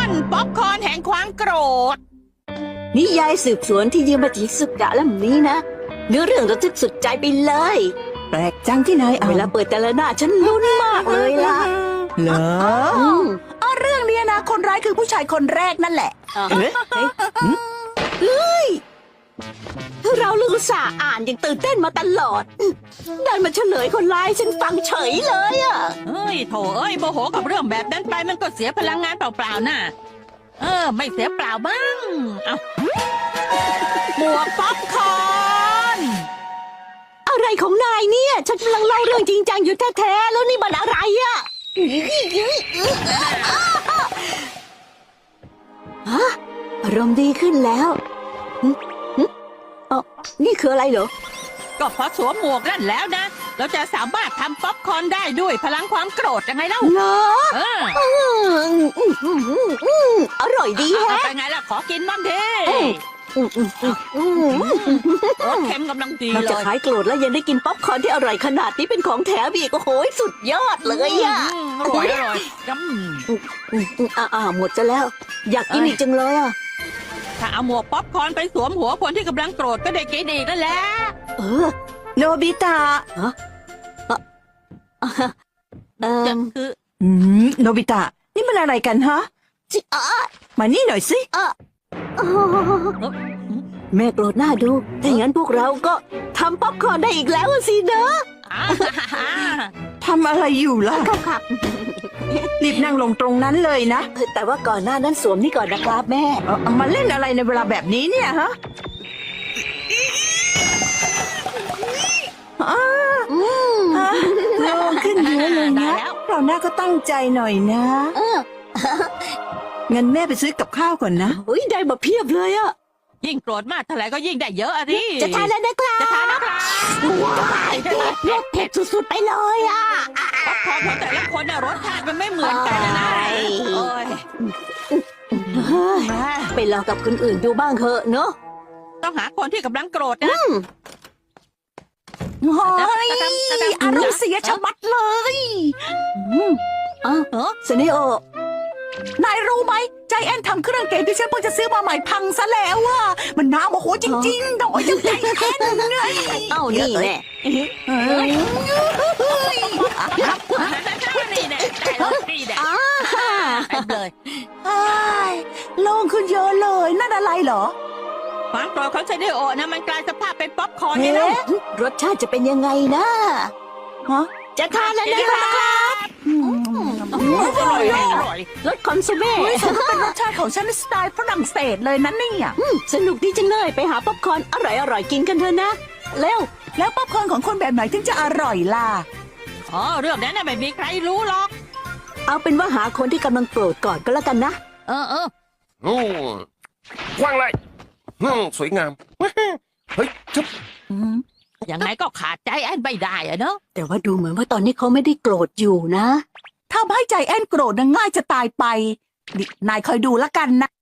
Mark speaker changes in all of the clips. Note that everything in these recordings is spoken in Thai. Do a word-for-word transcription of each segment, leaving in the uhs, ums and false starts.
Speaker 1: ป๊อปคอร์นแห่งความโกรธ
Speaker 2: นิยายสืบสวนที่ยืมมาจากสุดะเล่มนี้นะเนื้อเรื่องระทึกสุดใจไปเลย
Speaker 3: แปลกจังที่นายอ่าน
Speaker 2: เวลาเปิดแต่ละหน้าฉันลุ้นมากเลยล่ะ
Speaker 3: เหรอ
Speaker 2: อืม
Speaker 3: อ๋อเรื่องเนี้ยนะคนร้ายคือผู้ชายคนแรกนั่นแหละ
Speaker 2: อ่ะเฮ้ยเฮ้ยเราลูกอุตส่าห์อ่านอย่างตื่นเต้นมาตลอดได้มาเฉลยคนร้ายฉันฟังเฉยเลยอ่ะ
Speaker 1: เฮ้ยโถเอ้ยโมโหกับเรื่องแบบนั้นไปมันก็เสียพลังงานเปล่าๆน่ะเออไม่เสียเปล่าบ้างเอาหมวกป๊อปคอร์น
Speaker 2: อะไรของนายเนี่ย ฉันกำลังเล่าเรื่องจริงจังอยู่แท้ๆแล้วนี่มันอะไรอ่ะฮะอารมณ์ดีขึ้นแล้วหึหึอ๋อนี่คืออะไรเหรอ
Speaker 1: ก็เพราะสวมหมวกนั่นแล้วนะเราจะสามารถทำป๊อปคอร์นได้ด้วยพลังความโกรธยังไงเล่า
Speaker 2: เหรอ
Speaker 1: เออ
Speaker 2: อืมอืมอืมอืมอืมอร่อยดี
Speaker 1: เอา
Speaker 2: แฮะ
Speaker 1: ไปไงล่ะขอกินบ้างดิ
Speaker 2: อืมอืมอืมอืม
Speaker 1: รสเค็มกำลังดี
Speaker 2: นอก
Speaker 1: เล
Speaker 2: จาก
Speaker 1: ย
Speaker 2: หายโกรธแล้วยังได้กินป๊อปคอร์นที่อร่อยขนาดนี้เป็นของแถมอีกโอ้โหสุดยอดเลยอ่ะ
Speaker 1: อืมอร่อยอร่อยจ
Speaker 2: อืมอืมอ่าอ่าหมดซะแล้ว อยากกินอีกจังเลยอ่ะ
Speaker 1: ำถ้าเอาหมวกป๊อปคอร์นไปสวมหัวคนที่กำลังโกรธก็ได้กินอีกนั่นแหละ
Speaker 2: เออ
Speaker 3: โนบิตะ
Speaker 2: ฮะเออเอ
Speaker 1: จะ
Speaker 2: อ
Speaker 1: คือ
Speaker 3: อืมโนบิตะ นี่มันอะไรกันฮะ
Speaker 2: จิอ่ะ
Speaker 3: มานี่หน่อยสิ
Speaker 2: อ๋อแม่โกรธหน้าดูถ้าอย่างนั้นพวกเราก็ทำป๊อปคอร์นได้อีกแล้วสิเนอะ
Speaker 1: อ่า
Speaker 3: ทำอะไรอยู่ล่ะ
Speaker 2: ครับครับ
Speaker 3: รีบนั่งลงตรงนั้นเลยนะ
Speaker 2: เออแต่ว่าก่อนหน้านั้นสวมนี่ก่อนนะครับแม่
Speaker 3: เอาเอามาเล่นอะไรในเวลาแบบนี้เนี่ยฮะอ้า
Speaker 2: อืม
Speaker 3: ฮะโล่งขึ้นเยอะเลย
Speaker 1: ได้
Speaker 3: นะ
Speaker 1: แล้ว
Speaker 3: เราหน้าก็ตั้งใจหน่อยนะ
Speaker 2: เออ
Speaker 3: งั้นแม่ไปซื้อกับข้าวก่อนนะ
Speaker 2: เฮ้ยได้มาเพียบเลยอะ
Speaker 1: ยิ่งโกรธมากเท่าไหร่ก็ยิ่งได้เยอะอะดิ
Speaker 2: จะทานแล้วนะครับ
Speaker 1: จะทานนะครับ
Speaker 2: ว้ายเผ็ดเผ็ดเผ็ดสุดๆไปเลยอะ
Speaker 1: ป๊อปคอร์นของแต่ละคนน่ะรสชาติมันไม่เหมือนกันนะนะ
Speaker 2: ใช่
Speaker 1: โอ้ย
Speaker 2: เฮ้ยไปลองกับคนอื่นดูบ้างเถอะเนอะ
Speaker 1: ต้องหาคนที่กำลังโกรธนะ
Speaker 3: โอ้ย
Speaker 1: จะทำจะทำ
Speaker 3: อารมณ์เสียชะมัดเลย
Speaker 2: อ้าว
Speaker 1: เออ
Speaker 2: สเนโอน
Speaker 3: ายรู้ไหมใจแอนทำเครื่องเกมที่ฉันเพิ่งจะซื้อมาใหม่พังซะแล้วอะมันน่าโมโหจริงๆโดยจังใจแอนไง
Speaker 2: เอ้านี่แน่
Speaker 3: เฮ้ย
Speaker 1: นี่แน่ได้แล้วนี่แน่
Speaker 2: อ้า
Speaker 1: เต็มเลย
Speaker 3: เฮ้ยโล่งขึ้นเยอะเลยนั่นอะไรเหรอ
Speaker 1: ความโกรธของเซเดโอนะมันกลายสภาพเป็นป๊อปคอร์นนี่นะ
Speaker 3: เอ๊ะ
Speaker 2: รสชาติจะเป็นยังไงนะ
Speaker 3: ฮะ
Speaker 2: จะทานแล้วนะครับ
Speaker 3: อืม
Speaker 1: อร่อยอร่อย
Speaker 2: รสคอนซูเม่
Speaker 3: เฮ้ยสมกับเป็นรสชาติของฉันในสไตล์ฝรั่งเศสเลยนะเนี่ย
Speaker 2: อืมสนุกดีจังเลยไปหาป๊อปคอร์นอร่อยๆกินกันเถอะนะเร็ว
Speaker 3: แล้วป๊อปคอร์นของคนแบบไหนถึงจะอร่อยล่ะ
Speaker 1: อ๋อเรื่องนั้นน่ะไม่มีใครรู้หรอก
Speaker 2: เอาเป็นว่าหาคนที่กำลังโกรธก่อนก็แล้วกันนะ
Speaker 1: เออเออ
Speaker 4: โอ้กว้างเลยอืมสวยงาม เฮ้ยจุ๊บ
Speaker 1: ยังไงก็ขาดใจแอนไม่ได้อะเนอะ
Speaker 2: แต่ว่าดูเหมือนว่าตอนนี้เขาไม่ได้โกรธอยู่นะ
Speaker 3: ทำให้ใจแอนโกรธนะง่ายจะตายไปนี่นายคอยดูแล้วกันนะ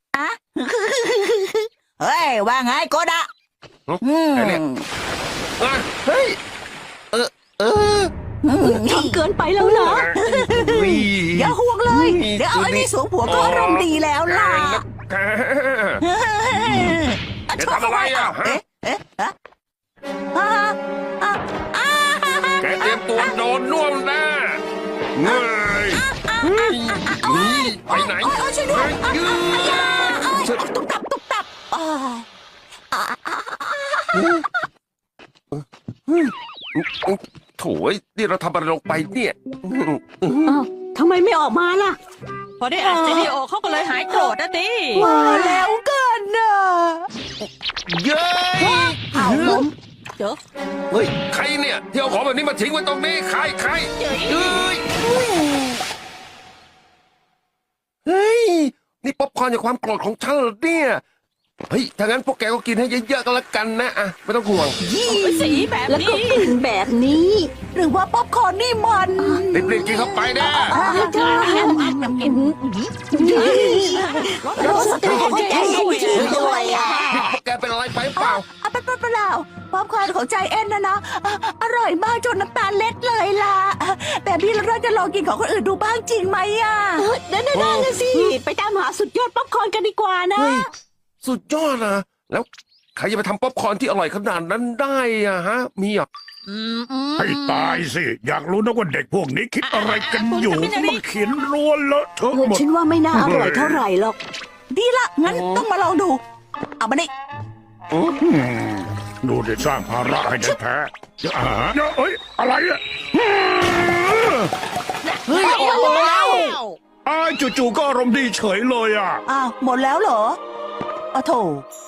Speaker 3: เฮ้ย ว่าไงโกดะอืม
Speaker 4: อ่ะเฮ้ย เออ เออ
Speaker 2: ทำเกินไปแล้วนะ
Speaker 4: อุ๊ย
Speaker 3: อย่าห่วงเลย เดี๋ยวเอาไอ้นี่สวมหัวก็อารมณ์ดีแล้วล่ะ
Speaker 4: แก
Speaker 3: ชอบ
Speaker 4: ทำอะไรอ่ะฮะ
Speaker 3: เอ๊ะเอ๊ะอ่ะอ่ะอ่ะอ่ะ
Speaker 4: แกเตรียมตัวโดนน่วมแน่เงยเฮ้ยนี่ไปไหน
Speaker 3: โอ๊ยโอ๊ยช่วยด้วย
Speaker 4: เฮ้ยืด
Speaker 3: ตุ๊บตับตุ๊บตับอ่า
Speaker 4: โถ่ยนี่เราทำอะไรลงไปเนี่ย
Speaker 2: อ้าวทำไมไม่ออกมาล่ะ
Speaker 1: พอได้อ่านเซเดโอเขาก็เลยหายโกรธนะดิ
Speaker 3: ว่าแล้วกันนะ
Speaker 4: เย้ย
Speaker 3: เอาล้ม
Speaker 1: เดี๋ยว
Speaker 4: เฮ้ย ใครเนี่ยที่เอาของแบบนี้มาทิ้งไว้ตรงนี้ ใครใคร
Speaker 1: เจ๋ย
Speaker 4: เฮ้ย เฮ้ย นี่ป๊อปคอร์นจากความโกรธของฉันเหรอเนี่ย เฮ้ย ถ้างั้นพวกแกก็กินให้เยอะๆก็แล้วกันนะอ่ะไม่ต้องห่วง
Speaker 1: สีแบบ
Speaker 2: แล้วก็
Speaker 1: นี้
Speaker 2: กลิ่นแบบนี้
Speaker 3: หรือว่าป๊อปคอร์นนี่มัน
Speaker 4: รีบๆกินเข้าไปนะ
Speaker 2: รสสตรอเบอรี่ด้วยอ่ะ
Speaker 4: นี่พวกแกเป็นอะไรไปเปล่า
Speaker 3: อ่ะเป็นเปล่าป๊อปคอร์นของใจแอนนะนะอ่ะอร่อยมากจนน้ำตาเล็ดเลยล่ะแต่พี่เราจะลองกินของคนอื่นดูบ้างจริงไหมอ่ะ
Speaker 2: เออได้ได้ได้เลยสิ ไปตามหาสุดยอดป๊อปคอร์นกันดีกว่านะ
Speaker 4: เฮ้ย สุดยอดนะแล้วใครจะไปทำป๊อปคอร์นที่อร่อยขนาดนั้นได้อะฮะ มีอ่ะ
Speaker 1: อืมอืม
Speaker 5: ให้ตายสิ อยากรู้นะว่าเด็กพวกนี้คิดอะไรกันอยู่
Speaker 1: คุณจะไม่ได้
Speaker 5: มาเขียนรัวเลอะเทอะ
Speaker 2: เออ
Speaker 5: หมด
Speaker 2: ฉันว่าไม่น่าอร่อยเท่าไหร่หรอก
Speaker 3: ดีละงั้นต้องมาลองดู เอามานี่
Speaker 5: อืมดูได้สร้างภาระให้แท้ๆอ่าเอ้ย อะไรอ่ะ
Speaker 1: เฮ้ยออกมาแล้ว
Speaker 5: อ้ายจู่ๆก็อารมณ์ดีเฉยเลยอ่ะ
Speaker 3: อ้าวหมดแล้วเหรออ้าวโถ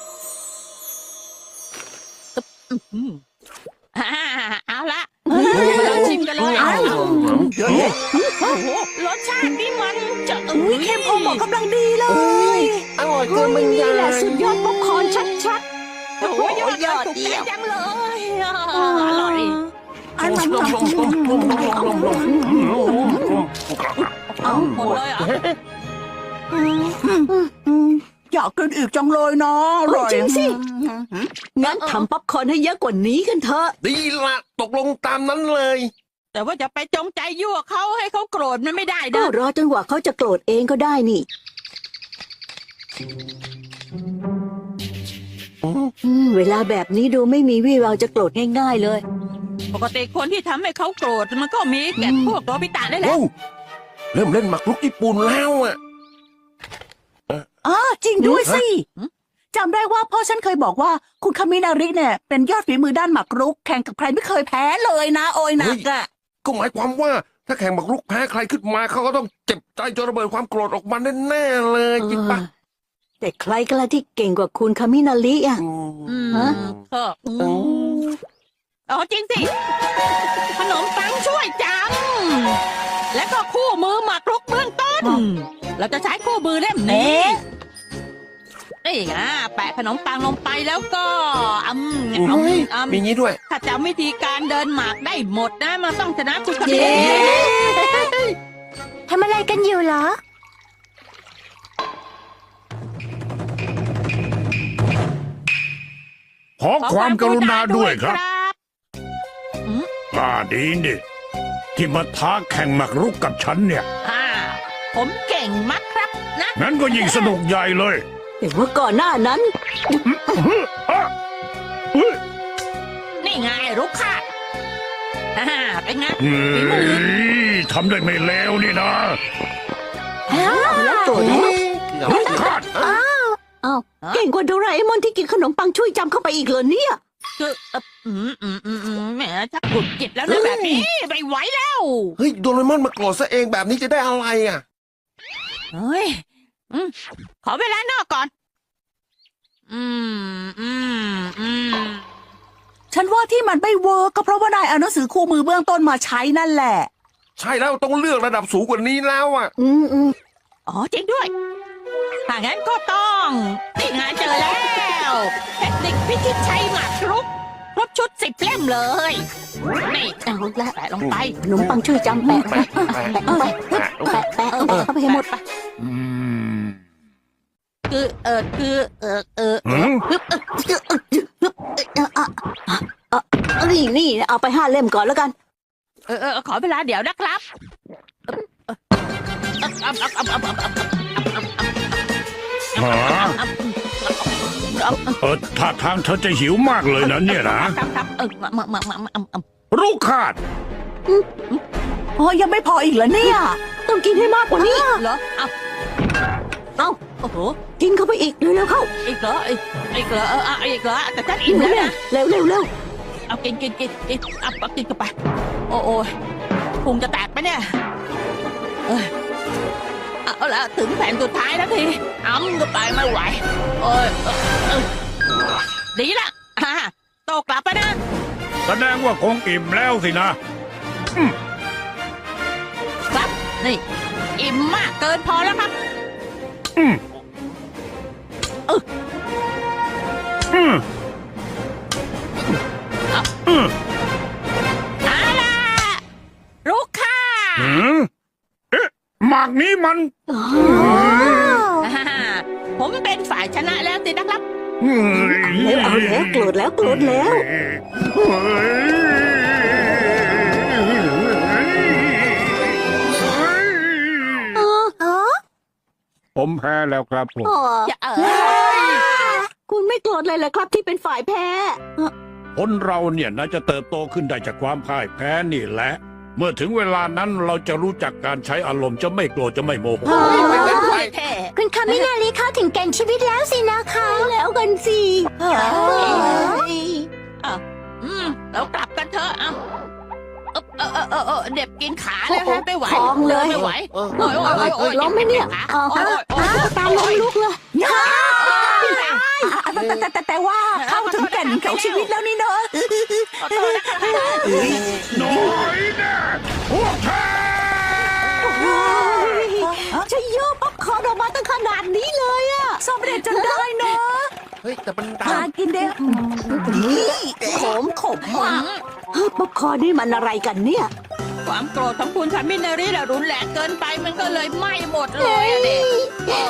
Speaker 1: อืมอ่าเอาละมาลองชิมกันเลยเอาโอ้โหรสชาตินี่มันจะเอ้
Speaker 3: อุ้ย
Speaker 1: ย
Speaker 3: เข้มข้นหมดกำลังดีเลย
Speaker 4: อร่อยเกินบรร
Speaker 2: นี่
Speaker 4: ยาย
Speaker 2: แหละสุดยอดป๊อปคอร์นชัด
Speaker 1: โอ้โหยอดยอดถูกใจจังเลยอ่ะอร่อย
Speaker 3: อันนั้น
Speaker 1: เอาหมดเลยเหรอ่ะ
Speaker 3: อยากกินอีกจังเลยเนาะอร่อย
Speaker 2: ๆ งั้นทำป๊อปคอร์นให้เยอะกว่านี้กันเถอะ
Speaker 4: ดีละตกลงตามนั้นเลย
Speaker 1: แต่ว่าจะไปจงใจยั่วเขาให้เขาโกรธมันไม่ได้
Speaker 2: ก็
Speaker 1: นะ
Speaker 2: รอจนกว่าเขาจะโกรธเองก็ได้นี่อืมเวลาแบบนี้ดูไม่มีวี่แววจะโกรธง่ายๆเลย
Speaker 1: ปกติคนที่ทำให้เขาโกรธมันก็มีแก่พวกโรบิตะนี่แหละ
Speaker 4: โอ้เริ่มเล่นหมากรุกญี่ปุ่นแล้วอ่ะ
Speaker 3: อ๋อจริงด้วยสิจำได้ว่าพ่อฉันเคยบอกว่าคุณคามินาริเนี่ยเป็นยอดฝีมือด้านหมากรุกแข่งกับใครไม่เคยแพ้เลยนะ โอยหนักอะ
Speaker 4: ก็หมายความว่าถ้าแข่งหมากรุกแพ้ใครขึ้นมาเขาก็ต้องเจ็บใจจนระเบิดความโกรธออกมาแน่ๆเลยจริงปะ
Speaker 2: เออแต่ใครกันล่ะที่เก่งกว่าคุณคามินาริอ่ะ
Speaker 4: อืม
Speaker 1: อืม
Speaker 2: ฮะ
Speaker 1: ก็อืมอ๋อจริงสิ ขนมปังช่วยจำและก็คู่มือหมากรุกเบื้องต้น เราจะใช้คู่มือเล่มนี้นี่ไงแปะขนมปังลงไปแล้วก็อืม
Speaker 4: เฮ้ย
Speaker 1: อืม
Speaker 4: มีงี้ด้วย
Speaker 1: ถ้าจำวิธีการเดินหมากได้หมดนะมันต้องชนะคุณคน
Speaker 2: เย้
Speaker 1: นี้
Speaker 2: ทำอะไรกันอยู่เหรอ
Speaker 5: ขอความกรุณาด้วยครับ
Speaker 1: บ
Speaker 5: อ่าดีนี่ที่มาท้าแข่งหมากรุกกับฉันเนี่ย
Speaker 1: อ่าผมเก่งมากครับนะ
Speaker 5: งั้นก็ยิ่งสนุกใหญ่เลย
Speaker 2: แต่ว่าก่อนหน้านั้น
Speaker 5: อ่ะเฮ้ย
Speaker 1: นี่ไงรุกค่ะอ่าเป็นไง
Speaker 5: เฮ้ยทำได้ไม่เลวนี่นะ
Speaker 2: แล้วโกรธนะ
Speaker 5: ลูกขาด
Speaker 2: อ้าวเก่งกว่าโดราเอมอนที่กินขนมปังช่วยจำเข้าไปอีกเหรอเนี่ย
Speaker 1: คือเอ่ออืมอืมอืมอืมแหมชักกุดจิตแล้วนะแบบนี้ไม่ไหวแล้ว
Speaker 4: เฮ้ยโดเรมอนมาโกรธซะเองแบบนี้จะได้อะไรอ่ะ
Speaker 1: เฮ้ยอืมขอเวลานอกก่อน อืมอืมอืม
Speaker 3: ฉันว่าที่มันไม่เวิร์กก็เพราะว่านายเอาหนังสือคู่มือเบื้องต้นมาใช้นั่นแหละ
Speaker 4: ใช่แล้วต้องเลือกระดับสูงกว่านี้แล้วอ่ะ
Speaker 2: อืมอืม
Speaker 1: อ๋อจริงด้วย ถ้างั้นก็ต้องนี่ไงเจอแล้ว เทคนิคพิชิตชัยหมากรุกครบชุดสิบเล่มเลย นี่
Speaker 2: เอาละ
Speaker 1: แปะลงไป
Speaker 2: ขนมปังช่วยจำแปะไป
Speaker 4: แปะ
Speaker 2: แปะเข้าไป
Speaker 4: แปะ
Speaker 2: แปะแปะแปะเข้าไปให้หมด
Speaker 1: ไป
Speaker 5: อืม
Speaker 1: คือเออคือเออเออ
Speaker 5: หืม
Speaker 2: นี่นี่เอาไปห้าเล่มก่อนแล้วกัน
Speaker 1: เออเออขอเวลาเดี๋ยวนะครับเออเออเออเออเออเออเออ
Speaker 5: หาเออท่าทางเธอจะหิวมากเลยนะเนี่ยนะ
Speaker 1: ครับครับเออมามามามามามา
Speaker 5: ลูกขาด
Speaker 3: โอ้ยังไม่พออีกเหรอเนี่ย
Speaker 2: ต้องกินให้มากกว่านี้
Speaker 1: เหรอเอา
Speaker 2: เอา
Speaker 1: โอ้โห
Speaker 2: กินเข้าไปอีกเร็วๆเข้า
Speaker 1: อีกเหรออีกอีกเหรอเออเอาอีกเหรอแต่ฉันอิ่มแล้วนะ
Speaker 2: เร็วเร็วเร็ว
Speaker 1: เอากินกินกินกินเอาเอากินเข้าไป โอ้โอ้ยพุงจะแตกไปะเนี่ยเอ้ยเอาละถึงแผ่นสุดท้ายแล้วทีอ้ำก็ไปไม่ไหวโอ้ยเออเออดีละอ่าโตกลับไปนะ
Speaker 5: แสดงว่าคงอิ่มแล้วสินะ
Speaker 1: ครับ นี่ อิ่มมากเกินพอแล้วครับ
Speaker 5: อืม
Speaker 1: เออ
Speaker 5: อืม อืม
Speaker 1: เอาล่ะลูกค่ะ
Speaker 5: หืมเอ๊ะหมากนี้มัน
Speaker 1: อ่าผมเป็นฝ่ายชนะแล้วสินะครับ
Speaker 5: อ
Speaker 2: เอาแล้วโกรธแล้วโกรธแล้ว เออเออ
Speaker 5: ผมแพ้แล้วครับผม
Speaker 1: อย่าเออ
Speaker 2: คุณไม่โกรธเลยเหรอครับที่เป็นฝ่ายแพ้
Speaker 5: คนเราเนี่ยน่าจะเติบโตขึ้นได้จากความพ่ายแพ้นี่แหละ เมื่อถึงเวลานั้นเราจะรู้จักการใช้อารมณ์จะไม่โกรธจะไม่โมโห
Speaker 1: แท้
Speaker 2: คุณคามินารีเข้าถึงแก่นชีวิตแล้วสินะคะแล้วกันสิ
Speaker 1: อืมเรากลับกันเถอะเอาเออเออเออเออเด็บกินขาแล้วฮะไม่ไหว
Speaker 2: คลองเลย
Speaker 1: ไม่ไหว
Speaker 4: เออ
Speaker 1: โอ้ยโอ้ยโอ้ย
Speaker 2: ล้มไหมเนี่ย
Speaker 1: โอ้ยโอ้ยโอ้ย
Speaker 2: ตาล้มลุกเลย
Speaker 3: แต่แต่แต่แต่ว่าเข้าถึงแก่นของชีวิตแล้วนี่เนอะ
Speaker 1: ขอโทษนะคะ
Speaker 5: น้อยแน่พวกแท้
Speaker 2: จะโยกป๊อปคอร์นออกมาตั้งขนาดนี้เลยอะ
Speaker 3: สำเร็จจนได้เนอะ
Speaker 4: เฮ้ยแต่มันดั
Speaker 3: มาง กินเด้อนี่ขมขมมาก
Speaker 2: ป๊อปคอร์นนี่มันอะไรกันเนี่ย
Speaker 1: ความโกรธของคุณคามินารีน่ะรุนแรงเกินไปมันก็เลยไหม้หมดเลยอะเด็ก